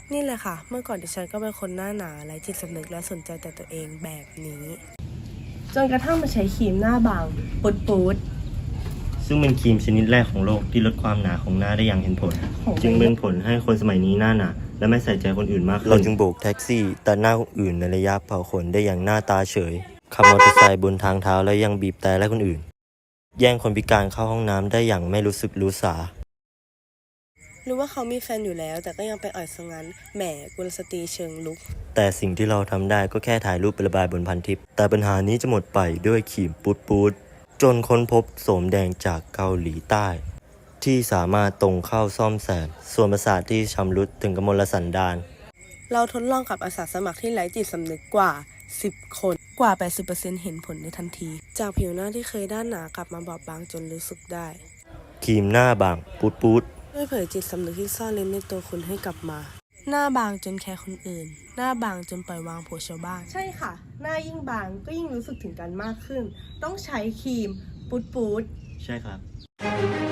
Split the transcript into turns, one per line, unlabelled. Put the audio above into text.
นี่แหละค่ะเมื่อก่อนดิฉันก็เป็นคนหน้าหนาไร้จิตสำนึกและสนใจแต่ตัวเองแบบนี้จนกระทั่งมาใช้ครีมหน้าบางปูด
ซึ่งเป็นครีมชนิดแรกของโลกที่ลดความหนาของหน้าได้อย่างเห็นผล จึงเป็นผลให้คนสมัยนี้หน้าหนาและไม่ใส่ใจคนอื่นมากขึ้นเราจึงโบกแท็กซี่ตัดหน้าคนอื่นในระยะเผาขนได้อย่างหน้าตาเฉยขับมอเตอร์ไซค์บนทางเท้าและยังบีบแต่ไล่คนอื่นแย่งคนพิการเข้าห้องน้ำได้อย่างไม่รู้สึกรู้สา
รู้ว่าเขามีแฟนอยู่แล้วแต่ก็ยังไปอ่อยซะงั้นแหมกุลสตรีเชิงลุก
แต่สิ่งที่เราทำได้ก็แค่ถ่ายรูปไประบายบนพันทิปแต่ปัญหานี้จะหมดไปด้วยครีมปูดจนค้นพบโสมแดงจากเกาหลีใต้ที่สามารถตรงเข้าซ่อมแซมส่วนประสาทที่ชำรุดถึงกมลสันดาน
เราทดลองกับอาสาสมัครที่ไร้จิตสำนึกกว่า10 คนกว่า 80% เห็นผลในทันทีจากผิวหน้าที่เคยด้านหนากลับมาบอบบางจนรู้สึกได้
ครีมหน้าบางปูด
ด้วยเผยจิตสำนึกที่ซ่อนเร้นในตัวคุณให้กลับมาหน้าบางจนแคร์คนอื่นหน้าบางจนปล่อยวางผัวชาวบ้านใช่ค่ะหน้ายิ่งบางก็ยิ่งรู้สึกถึงกันมากขึ้นต้องใช้ครีมปูด
ใช่ครับ